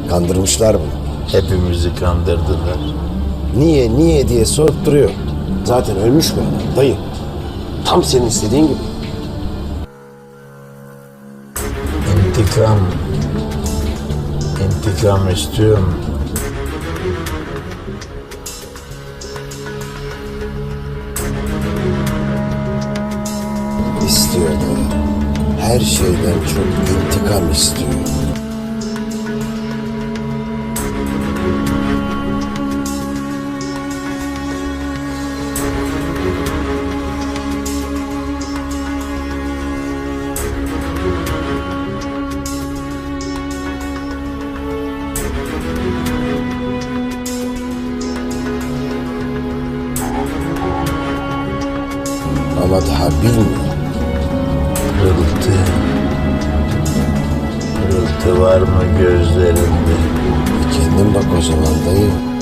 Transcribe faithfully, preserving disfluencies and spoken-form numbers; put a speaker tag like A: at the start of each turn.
A: Kandırmışlar bunu.
B: Hepimizi kandırdılar.
A: Niye, niye diye sorup duruyor. Zaten ölmüş mü adam dayı? Tam senin istediğin gibi.
B: İntikam. İntikam istiyorum.
A: İstiyor dayı. Her şeyden çok intikam istiyor. Ama daha bilmiyor.
B: Pırıltı. Pırıltı var mı gözlerinde?
A: Kendin bak o zaman dayı.